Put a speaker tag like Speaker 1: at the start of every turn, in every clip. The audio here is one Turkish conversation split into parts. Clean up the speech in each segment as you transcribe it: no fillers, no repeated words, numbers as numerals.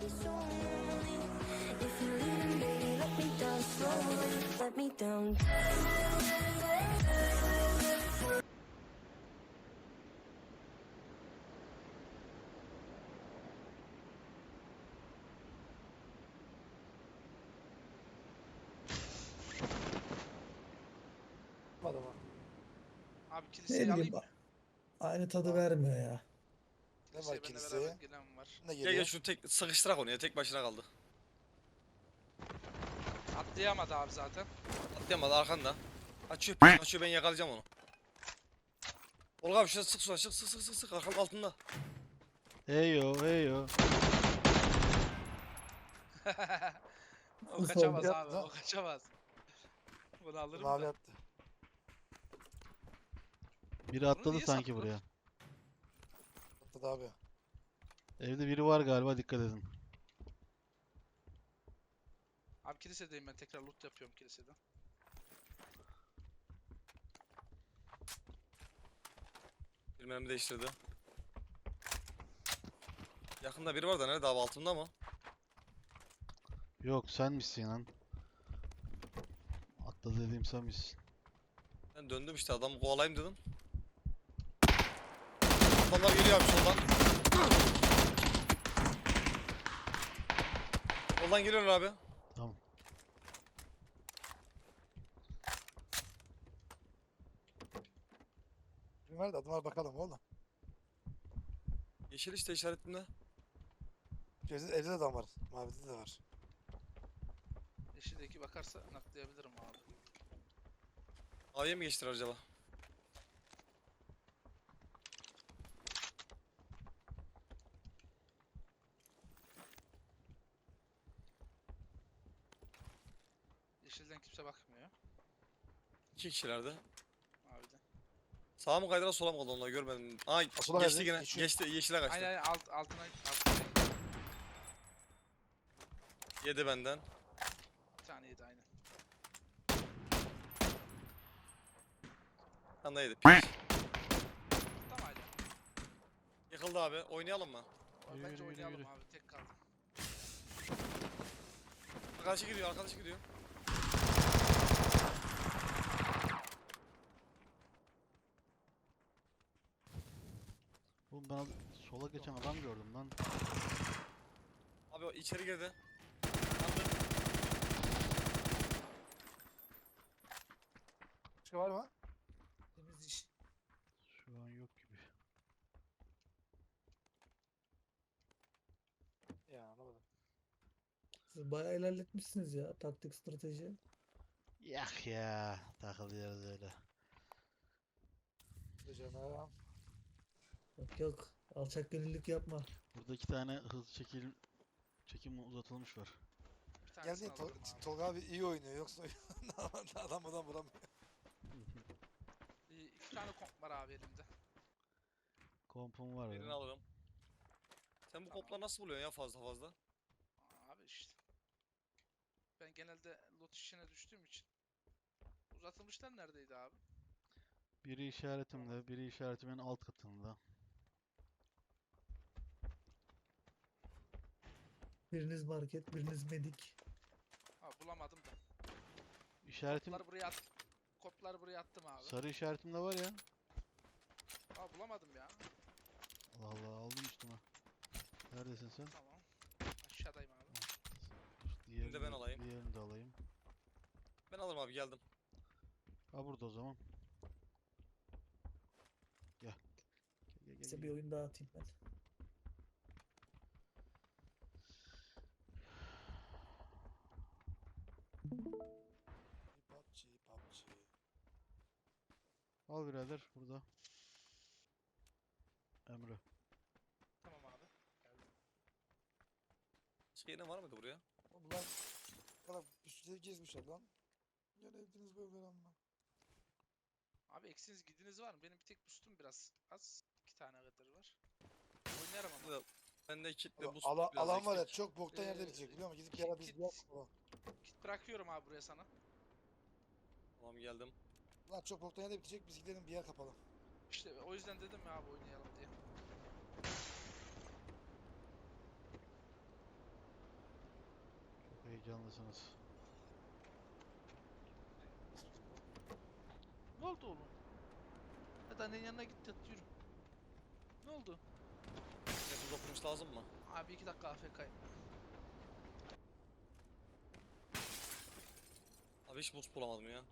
Speaker 1: If you're leaving, baby, let me down slowly. Let me down.
Speaker 2: Adama.
Speaker 3: Abi
Speaker 4: Ne
Speaker 3: kiliseyi
Speaker 4: bileyim
Speaker 3: alayım mı?
Speaker 4: aynı tadı
Speaker 2: Aa.
Speaker 4: vermiyor ya.
Speaker 2: Ne var
Speaker 3: Kiliseye benimle
Speaker 2: kiliseye?
Speaker 3: beraber gelen var.
Speaker 2: Ne
Speaker 5: Gel gel
Speaker 2: geliyor?
Speaker 5: şunu tek sıkıştırak onu ya, tek başına kaldı.
Speaker 3: Atlayamadı abi zaten.
Speaker 5: Atlayamadı arkanda. Açıyor açıyor, ben yakalayacağım onu. Olga abi şuna sık, şuna sık sık sık sık sık, arkanın altında.
Speaker 6: Heyo heyo.
Speaker 3: O
Speaker 4: Nasıl
Speaker 3: kaçamaz
Speaker 2: oldu?
Speaker 3: abi,
Speaker 2: Yaptı.
Speaker 3: o kaçamaz. Bunu alırım
Speaker 2: Mavi
Speaker 3: da.
Speaker 2: attı.
Speaker 6: Biri atladı
Speaker 3: niye
Speaker 6: sanki
Speaker 3: sattılar?
Speaker 6: buraya.
Speaker 2: Attı da abi.
Speaker 6: Evde biri var galiba, dikkat edin.
Speaker 3: Abi kilisedeyim, ben tekrar loot yapıyorum kiliseden.
Speaker 5: Bir mermi değiştirdi. Yakında biri var da nerede abi, altında mı?
Speaker 6: Yok, sen misin lan? Atladı dediğim sen misin?
Speaker 5: Ben döndüm işte, adamı kovalayayım dedim. Adamlar geliyor abi soldan. Soldan geliyorlar abi.
Speaker 6: Tamam.
Speaker 2: Kim verdi? Adımlar bakalım oğlum.
Speaker 5: Yeşil işte işaretimde.
Speaker 2: Evde de adam var. Mavide de var.
Speaker 3: Yeşildeki bakarsa naklayabilirim abi.
Speaker 5: A'ya mı geçtiler acaba?
Speaker 3: Yeşilden kimse bakmıyor.
Speaker 5: İki kişilerdi.
Speaker 3: Abi de.
Speaker 5: Sağa mı kaydılar, sola mı kaldı, onları görmedim. Aa
Speaker 2: Sola
Speaker 5: geçti
Speaker 2: kaydı,
Speaker 5: yine.
Speaker 2: geçiyor.
Speaker 5: Geçti, yeşile kaçtı.
Speaker 3: Aynen altına.
Speaker 5: Yedi benden.
Speaker 3: Bir tane yedi aynen.
Speaker 5: Sen de yedi.
Speaker 3: Tamam hala.
Speaker 5: Yıkıldı abi. Oynayalım mı?
Speaker 6: Yürü,
Speaker 3: Bence
Speaker 6: yürü,
Speaker 3: oynayalım
Speaker 6: yürü.
Speaker 3: abi, tek kaldı.
Speaker 5: Arkadaşı gidiyor, arkadaşı gidiyor.
Speaker 6: Oğlum ben sola geçen adam gördüm lan.
Speaker 5: Abi o içeri girdi. Yandı.
Speaker 2: Başka var mı?
Speaker 4: Temiz iş.
Speaker 6: Şu an yok gibi.
Speaker 2: Ya anlamadım.
Speaker 4: Siz bayağı ilerletmişsiniz ya taktik strateji.
Speaker 6: Yak ya. Takılıyoruz öyle.
Speaker 2: Canım.
Speaker 4: Yok yok alçak gönüllülük yapma.
Speaker 6: Burada 2 tane hız çekim uzatılmış var.
Speaker 3: Bir tanesini
Speaker 2: Geldi
Speaker 3: alırım abi.
Speaker 2: Tolga abi iyi oynuyor yoksa adam vuramıyor.
Speaker 3: İki tane komp var abi elimde.
Speaker 6: Kompum var
Speaker 5: Birini
Speaker 6: ya.
Speaker 5: alırım. Sen bu kopları nasıl buluyorsun ya, fazla fazla?
Speaker 3: Abi işte. Ben genelde loot işine düştüğüm için. Uzatılmışlar neredeydi abi?
Speaker 6: Biri işaretimde, biri işaretimin alt katında.
Speaker 4: Biriniz market, biriniz medik.
Speaker 3: Ha bulamadım da.
Speaker 6: İşaretim
Speaker 3: Kopları buraya at. Kopları buraya attım abi.
Speaker 6: sarı işaretimde var ya.
Speaker 3: Ha bulamadım ya.
Speaker 6: Allah Allah, aldım üstüme. Neredesin sen?
Speaker 3: Tamam. Aşağıdayım abi.
Speaker 6: Diğerini
Speaker 5: de ben alayım.
Speaker 6: Diğerini de alayım.
Speaker 5: Ben alırım abi, geldim.
Speaker 6: Ha burada o zaman. Gel. Gel, gel,
Speaker 4: Size
Speaker 6: gel,
Speaker 4: bir
Speaker 6: gel.
Speaker 4: oyun daha atayım ben.
Speaker 2: PUBG.
Speaker 6: Al birader burada. Emre.
Speaker 3: Tamam abi. Geldim.
Speaker 5: Başka yine var mıydı buraya?
Speaker 2: Oğlum lan kadar üstüne gezmişler lan. Gene evdiniz böyle ama.
Speaker 3: Abi eksiniz gidiniz var mı? Benim bir tek boostum biraz az. 2 tane kadar var. Oynarım ama.
Speaker 5: Burada bende kitle
Speaker 2: Oğlum,
Speaker 5: boost biraz
Speaker 2: alan var ya
Speaker 5: eksik.
Speaker 2: çok boktan yerde
Speaker 3: Ee,
Speaker 2: bitecek biliyor musun? Gidip bir ara biz bir yapalım.
Speaker 3: Kit bırakıyorum abi buraya sana.
Speaker 5: Tamam geldim.
Speaker 2: Lan çok boktan yerde bitecek biz gidelim bir yer kapalım.
Speaker 3: İşte o yüzden dedim ya abi oynayalım diye.
Speaker 6: Heyecanlısınız.
Speaker 3: Ne oldu oğlum? Hadi annenin yanına git yat yürü. Ne oldu?
Speaker 5: Nefes okumuş lazım mı?
Speaker 3: Abi 2 dakika AFK'yim.
Speaker 5: Abi hiç boost bulamadım ya.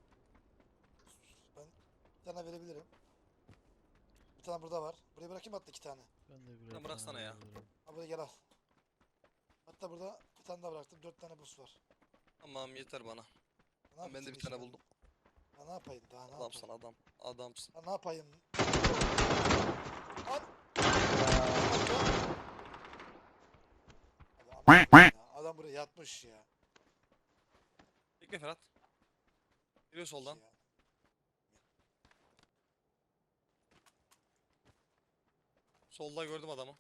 Speaker 2: Ben bir tane verebilirim. Bir tane burada var. Buraya bırakayım hatta 2 tane.
Speaker 6: Ben de birer
Speaker 5: bıraksana
Speaker 6: tane
Speaker 5: ya.
Speaker 6: verebilirim.
Speaker 2: Ha buraya gel al. Hatta burada bir tane daha bıraktım. 4 tane bus var.
Speaker 5: Tamam yeter bana.
Speaker 2: Ne yapayım
Speaker 5: Ben de
Speaker 2: senin
Speaker 5: bir tane
Speaker 2: işine?
Speaker 5: buldum.
Speaker 2: Ya ne yapayım daha ne
Speaker 5: Adamsın
Speaker 2: yapayım?
Speaker 5: adam. Adamsın.
Speaker 2: Ya ne yapayım? Al. Adam buraya yatmış ya.
Speaker 5: Bekle Ferhat. Geliyor soldan.
Speaker 2: Ya.
Speaker 5: Solda gördüm adamı.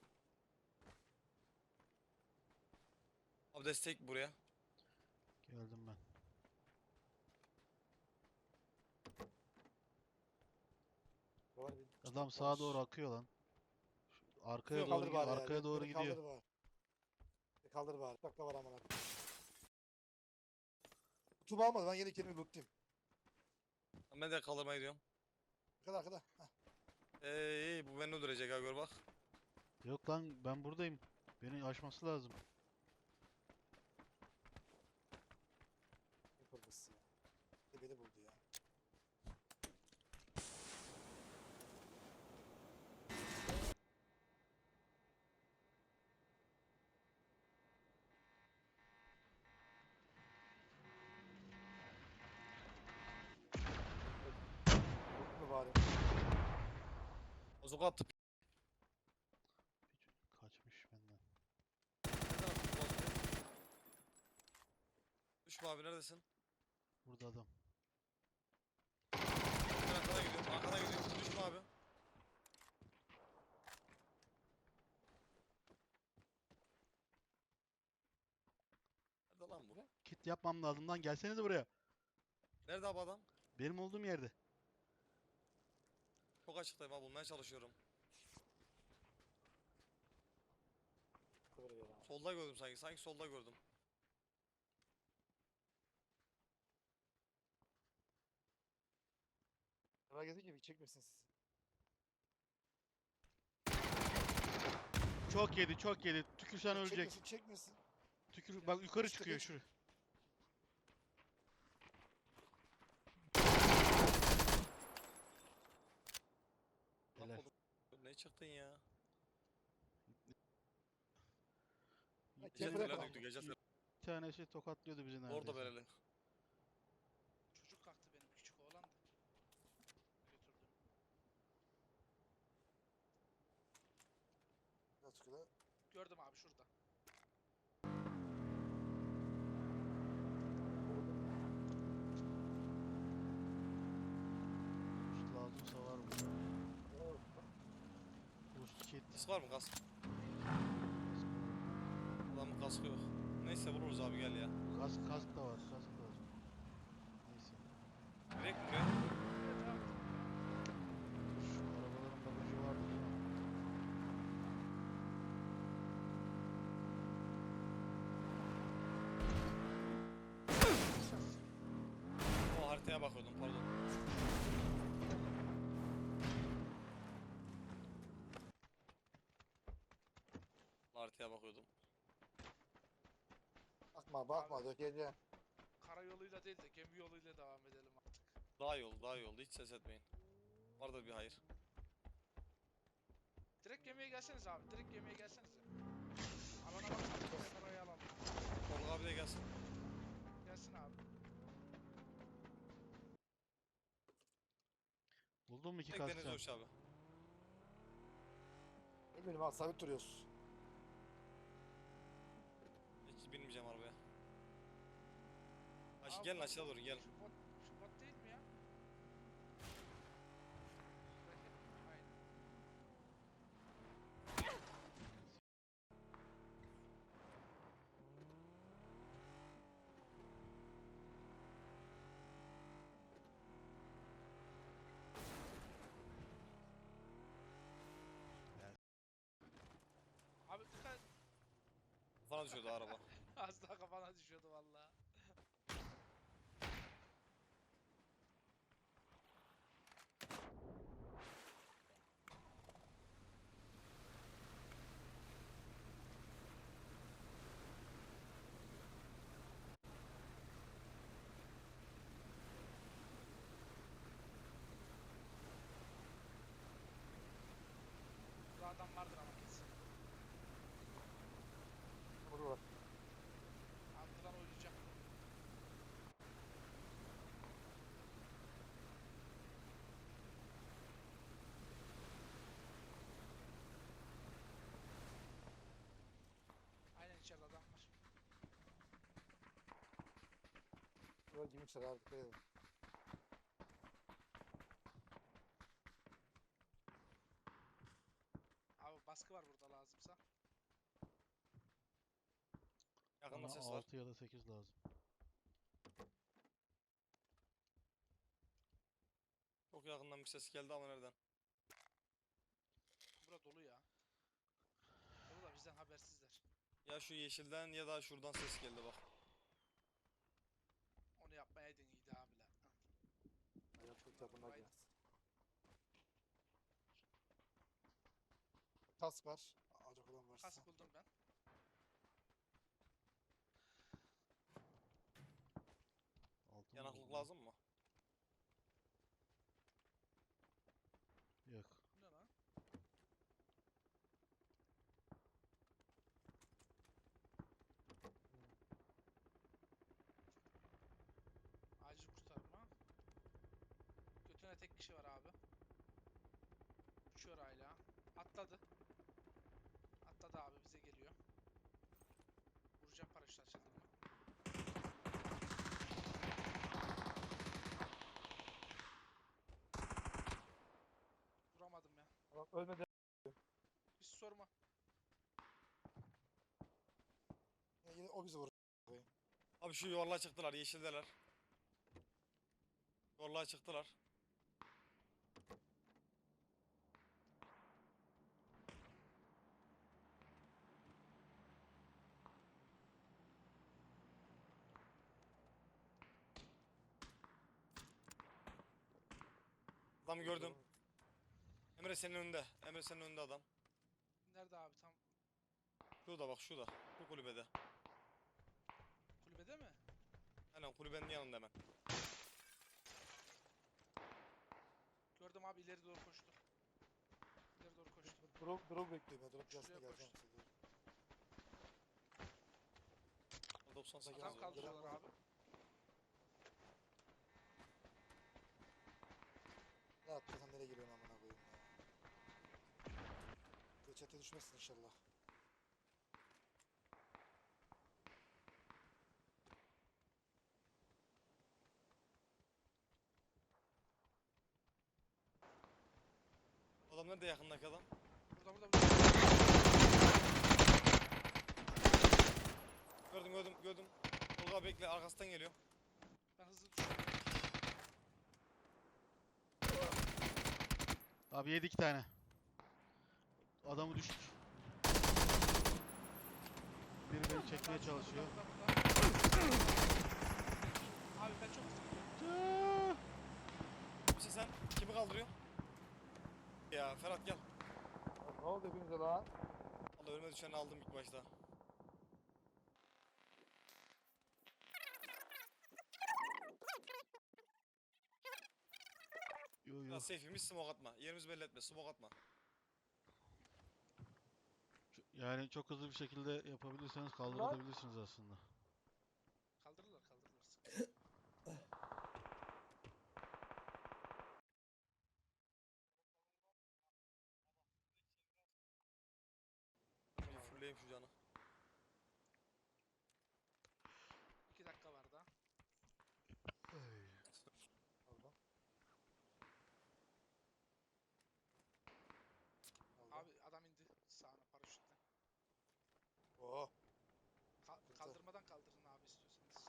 Speaker 5: Abi destek buraya.
Speaker 6: Geldim ben.
Speaker 2: Var bir
Speaker 6: Adam
Speaker 2: kitap
Speaker 6: sağa
Speaker 2: var.
Speaker 6: doğru akıyor lan. Arkaya
Speaker 2: Beni
Speaker 6: doğru
Speaker 2: kaldır
Speaker 6: gidiyor.
Speaker 2: bari ya.
Speaker 6: Arkaya doğru
Speaker 2: Beni
Speaker 6: gidiyor.
Speaker 2: kaldır bari. Beni kaldır bari. Bak da var amına. Tuba almadı. Ben yeni kelime lootlayayım.
Speaker 5: Ben de kaldırmaya gidiyorum.
Speaker 2: Arkada arkada. Heh.
Speaker 5: Bu beni öldürecek ha gör bak.
Speaker 6: Yok lan ben buradayım. Beni aşması lazım.
Speaker 2: Ne kırmızısı ya. Beni buldu ya. Buldu mu bari?
Speaker 5: Bozuk attı.
Speaker 6: Kaçmış benden.
Speaker 5: Nereden attın bu bozuku? Düşme abi neredesin?
Speaker 6: Burada adam.
Speaker 5: Ben arkana gidiyorum. Arkana gidiyorum. Düşme abi. Nerede lan bu?
Speaker 6: Kit yapmam lazım lan. Gelsenize buraya.
Speaker 5: Nerede abi adam?
Speaker 6: Benim olduğum yerde.
Speaker 5: Çok açıktayım abi bulmaya çalışıyorum.
Speaker 2: Buraya ya.
Speaker 5: Solda gördüm sanki. Sanki solda gördüm.
Speaker 2: Merak ettim ki çekmesin sizi.
Speaker 6: Çok yedi, çok yedi. Tükürsen ölecek.
Speaker 2: Çekmesin çekmesin.
Speaker 6: Tükür, bak yukarı
Speaker 2: İşte
Speaker 6: çıkıyor
Speaker 2: geç.
Speaker 6: şuraya.
Speaker 5: Bak
Speaker 6: Helal.
Speaker 5: oğlum. Ne çıktın ya?
Speaker 2: Ha,
Speaker 5: Gece
Speaker 2: kefere
Speaker 5: fener
Speaker 2: falan.
Speaker 5: döktü gece fener.
Speaker 6: Bir tanesi tokatlıyordu bizi neredeyse.
Speaker 5: Orada belirli.
Speaker 3: Çocuk kalktı benim küçük oğlan da. Götürdüm.
Speaker 2: Biraz şurada.
Speaker 3: Gördüm abi şurada.
Speaker 6: Boost lazımsa var burada. Boost kit.
Speaker 5: Kask var mı kask? Adamın kaskı yok. Neyse vururuz abi gel ya.
Speaker 6: Kask da var, kask da var. Neyse.
Speaker 5: Direkt buraya.
Speaker 6: Şu arabaların bagajı vardı değil mi?
Speaker 5: O haritaya bakıyordum pardon. Haritaya bakıyordum.
Speaker 2: Bakma bakma dökeceğim.
Speaker 3: Karayoluyla değil de gemi yoluyla devam edelim artık.
Speaker 5: Daha iyi oldu daha iyi oldu hiç ses etmeyin. Vardır bir hayır.
Speaker 3: Direkt gemiye gelseniz abi. Direkt gemiye gelsenize. Alana bakalım. Orayı alalım.
Speaker 5: Tolga abi de gelsin.
Speaker 3: Gelsin abi.
Speaker 6: Buldun mu iki
Speaker 5: Tek
Speaker 6: kask
Speaker 5: deniz
Speaker 6: sen?
Speaker 5: dövüş abi.
Speaker 2: Ne bileyim abi sabit duruyoruz.
Speaker 5: Hiç binmeyeceğim arabaya. Aç,
Speaker 3: Abi
Speaker 5: gelin
Speaker 3: bu-
Speaker 5: aşağı doğru gel.
Speaker 3: Şu bot değil mi ya? Şuradaki. Aynen. Abi dikkat.
Speaker 5: Kafana düşüyordu araba.
Speaker 3: Az daha kafana düşüyordu valla. Burada adam vardır ama kesin.
Speaker 2: Burada var.
Speaker 3: Arkadan oynayacak. Aynen içeride adam var.
Speaker 2: Burada girmişler abi. Dikkat edin.
Speaker 3: Abi baskı var burada lazımsa.
Speaker 5: Yakında
Speaker 6: Bana
Speaker 5: ses var.
Speaker 6: 6 ya da 8 lazım.
Speaker 5: Çok yakından bir ses geldi ama nereden?
Speaker 3: Bura dolu ya. Dolu da bizden habersizler.
Speaker 5: Ya şu yeşilden ya da şuradan ses geldi bak.
Speaker 3: Onu yapmayaydın iyiydi abiler.
Speaker 2: Ayağım çok yakınlar
Speaker 3: Aynen.
Speaker 2: ya. Kask var. Alacak olan varsa.
Speaker 3: Kask buldum ben.
Speaker 6: Altın
Speaker 5: Yanaklık
Speaker 6: buldum.
Speaker 5: lazım mı?
Speaker 6: Yok.
Speaker 3: Bu ne lan? Acil kurtarma. Götüne tek kişi var abi. Uçuyor hala. Atladı. Atladı abi bize geliyor. Vuracağım paraşüt açıldı mı? Vuramadım ya.
Speaker 2: Tamam, ölmedi.
Speaker 3: Hiç sorma.
Speaker 2: Yine o bizi vurur.
Speaker 5: Abi şu yuvarlığa çıktılar, yeşildeler. Yuvarlığa çıktılar. Adamı gördüm. Emre senin önünde. Emre senin önünde adam.
Speaker 3: Nerede abi tam?
Speaker 5: Şurada bak şurada. Şu kulübede.
Speaker 3: Kulübede mi?
Speaker 5: Aynen kulübenin yanında hemen.
Speaker 3: Gördüm abi ileri doğru koştu. İleri doğru koştu.
Speaker 2: Drop bekliyor ben. Drop
Speaker 3: Şuraya
Speaker 2: gelsin geleceğim
Speaker 3: koştu.
Speaker 2: size.
Speaker 5: 98
Speaker 3: Adam
Speaker 5: var.
Speaker 3: kaldırıyorlar abi.
Speaker 2: Ne atlasan nereye giriyorsun amına koyayım ya. Çete düşmezsin inşallah.
Speaker 5: Adam nerede yakındaki adam?
Speaker 3: Burada.
Speaker 5: Gördüm. Tolga bekle arkasından geliyor.
Speaker 3: Ben hızlı düşüyorum.
Speaker 6: Abi 7 2 tane. Adamı düştük. Biri beni çekmeye çalışıyor.
Speaker 3: Abi ben çok hızlı gidiyorum.
Speaker 5: Kimsin sen? Kimi kaldırıyor? Ya Ferhat gel.
Speaker 2: Ya ne oldu hepinize lan?
Speaker 5: Allah ölüme düşeni aldım ilk başta.
Speaker 6: Yo yo.
Speaker 5: Ya safe'imiz smoke atma. Yerimizi belli etme. Smoke atma.
Speaker 6: Yani çok hızlı bir şekilde yapabilirseniz kaldırabilirsiniz aslında.
Speaker 3: Kaldırırlar. Sıkıntı yok.
Speaker 5: Bir fulleyim şu canı.
Speaker 3: 2 dakika var daha.
Speaker 2: Pardon. Aldım.
Speaker 3: Abi adam indi sağına paraşütle.
Speaker 2: Oo.
Speaker 3: Kaldırmadan kaldırın abi istiyorsanız.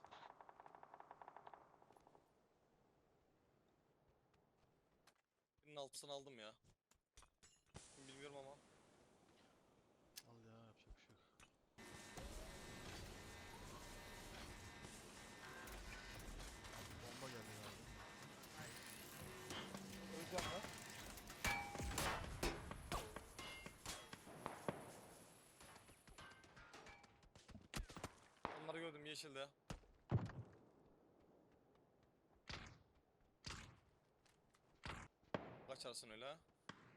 Speaker 5: Birinin altısını aldım ya. Bilmiyorum ama.
Speaker 6: Al ya yapacak bir şey yok.
Speaker 5: gördüm yeşilde. Kaçarsın öyle ha.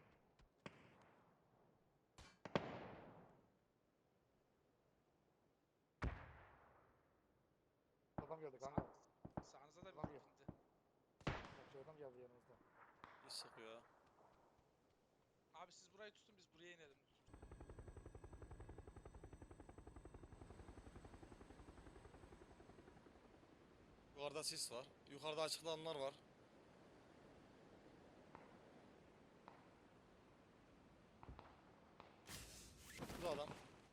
Speaker 2: Adam geldi kanka.
Speaker 3: Sağınıza da bir
Speaker 2: Ulan yok.
Speaker 3: indi.
Speaker 2: Bak şu adam geldi yanımızda.
Speaker 5: Hiç sıkıyor ha.
Speaker 3: Abi siz burayı tutun biz buraya inelim.
Speaker 5: Yukarıda sis var. Yukarıda açıklananlar var. Burada adam.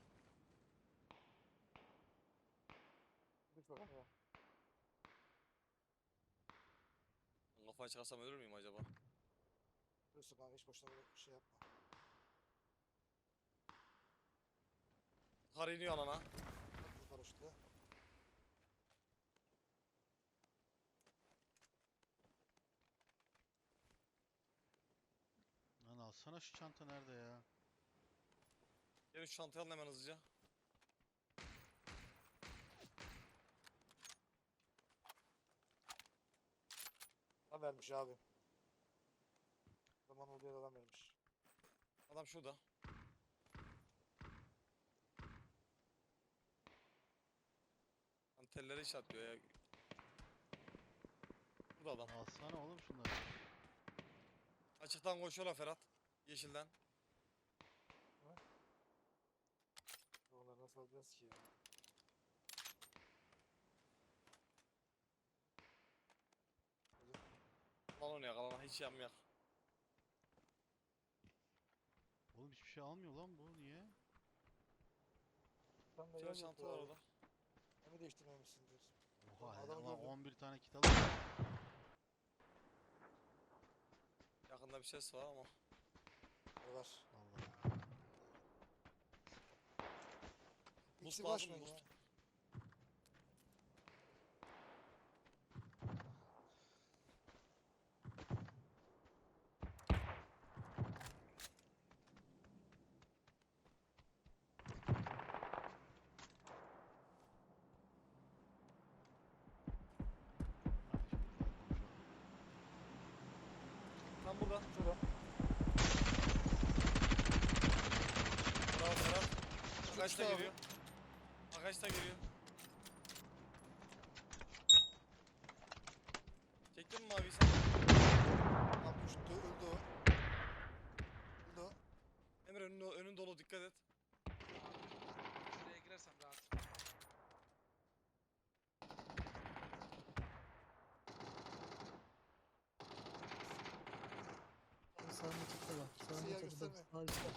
Speaker 2: Düş bakalım ya.
Speaker 5: Kafayı çıkarsam ölür müyüm acaba?
Speaker 2: Dursun kanka hiç boşuna böyle şey yapma.
Speaker 5: Kar iniyor alana.
Speaker 2: Bak bu paraşütle.
Speaker 6: Lan alsana şu çanta nerede ya?
Speaker 5: Gelin şu çantayı alın hemen hızlıca.
Speaker 2: Adam vermiş abi. Zaman oluyor adam vermiş.
Speaker 5: Adam şurada. Lan telleri işaretliyor ya. Burada adam.
Speaker 6: Alsana oğlum şunları.
Speaker 5: Açıktan koşuyorlar Ferhat. Yeşilden.
Speaker 2: Onları nasıl alacağız ki ya?
Speaker 5: Lan onu yakalana hiç yanmayak.
Speaker 6: Oğlum hiçbir şey almıyor lan bu. Niye?
Speaker 2: Tam da
Speaker 5: Şöyle
Speaker 2: yer
Speaker 5: çanta
Speaker 2: yok
Speaker 5: var
Speaker 2: ya.
Speaker 5: orada.
Speaker 2: Hem değiştirmemişsindir.
Speaker 6: Oha
Speaker 2: Adamı
Speaker 6: ulan
Speaker 2: gördüm.
Speaker 6: 11 tane kit alıyor.
Speaker 5: Yakında bir ses var ama.
Speaker 2: Var.
Speaker 6: Allah.
Speaker 2: İkisi
Speaker 5: lazım,
Speaker 2: başmayın
Speaker 5: boost.
Speaker 2: ya.
Speaker 5: Tam burada.
Speaker 2: Şurada.
Speaker 5: Bravo Ferhat. Agaç da
Speaker 2: abi.
Speaker 5: geliyor. Agaç da geliyor. Çektin mi maviyi sen?
Speaker 2: Tam düştü öldü o. Öldü o.
Speaker 5: Emre önün dolu dikkat et.
Speaker 3: Şuraya girersem rahat.
Speaker 4: Sağında çatı var. Sağında
Speaker 2: Siyah
Speaker 4: çatıda.
Speaker 2: gösterme.
Speaker 4: Sağ üstte.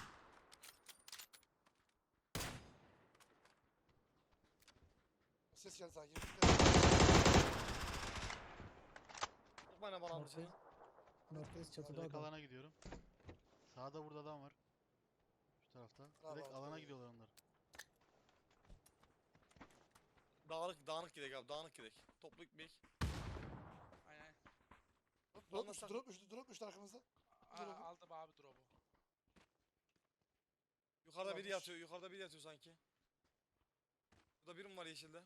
Speaker 2: Ses geldi sanki.
Speaker 5: Çok bana bana almış.
Speaker 4: Merkez. Merkez çatıda
Speaker 6: Direkt
Speaker 4: adam.
Speaker 6: alana gidiyorum. Sağda burada adam var. Şu tarafta.
Speaker 2: Bravo
Speaker 6: Direkt
Speaker 2: abi.
Speaker 6: alana gidiyorlar onlar.
Speaker 5: Dağınık gidek abi dağınık gidek. Toplu gitmeyek.
Speaker 3: Aynen.
Speaker 2: Drop
Speaker 5: Anlasak-
Speaker 2: düştü, drop düştü, drop düştü arkamızda. Drop'u.
Speaker 3: Aldım abi drop'u.
Speaker 5: Yukarıda biri
Speaker 2: Varmış.
Speaker 5: yatıyor yukarıda biri yatıyor sanki. Burada birim var yeşilde.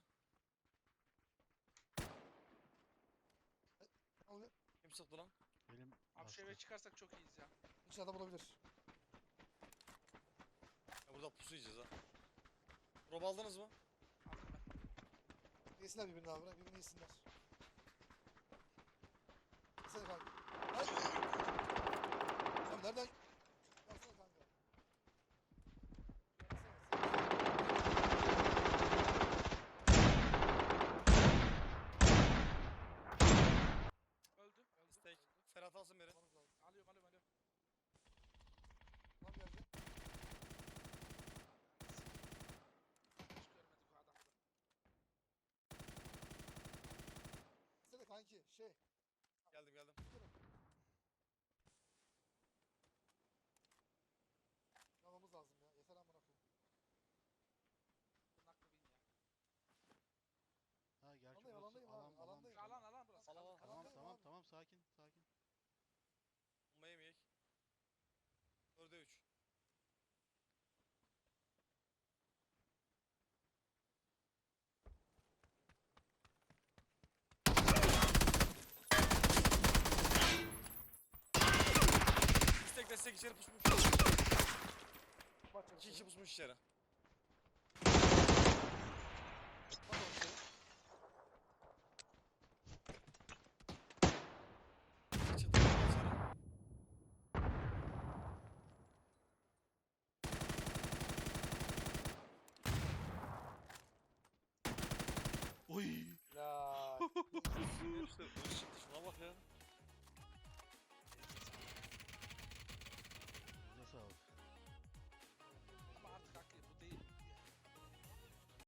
Speaker 2: Ne oluyor?
Speaker 5: Kim sıktı lan?
Speaker 6: Benim
Speaker 3: Abi şu eve çıkarsak çok iyiyiz ya.
Speaker 2: İçeride adam olabilir.
Speaker 5: Ya burada pusu yiyeceğiz ha. Rob aldınız mı?
Speaker 3: Aldım ben.
Speaker 2: Yesinler birbirini abi, bırak birbirini yesinler. Yesene kanka. Hayır. Abi nereden? Versene kanka.
Speaker 3: Öldü.
Speaker 5: İstek.
Speaker 3: Öldü.
Speaker 5: Ferhat alsın beni.
Speaker 2: Almanız lazım.
Speaker 3: Alıyorum.
Speaker 2: Adam geldi.
Speaker 3: Hiç görmedik o adamı.
Speaker 2: Yesene kanki, şey.
Speaker 5: Geldim.
Speaker 2: Almamız lazım ya. Yeter amına koyayım.
Speaker 3: Bunun hakkı bin ya.
Speaker 6: Ha gerçi
Speaker 2: Alandayım,
Speaker 6: burası
Speaker 2: alandayım abi,
Speaker 6: alan.
Speaker 2: alandayım.
Speaker 3: Alan burası.
Speaker 5: Alan, alan.
Speaker 6: Tamam
Speaker 2: Alandayım
Speaker 6: tamam
Speaker 2: abi.
Speaker 6: tamam sakin sakin.
Speaker 5: Bomba yemeyek. 4'e 3. içeri pusmuş.
Speaker 2: Bak
Speaker 5: 2 kişi pusmuş içeri.
Speaker 3: Hadi oğlum seni.
Speaker 5: Çatı içeri.
Speaker 6: Oy.
Speaker 2: Ya.
Speaker 5: İşte ışık şuna bak ya.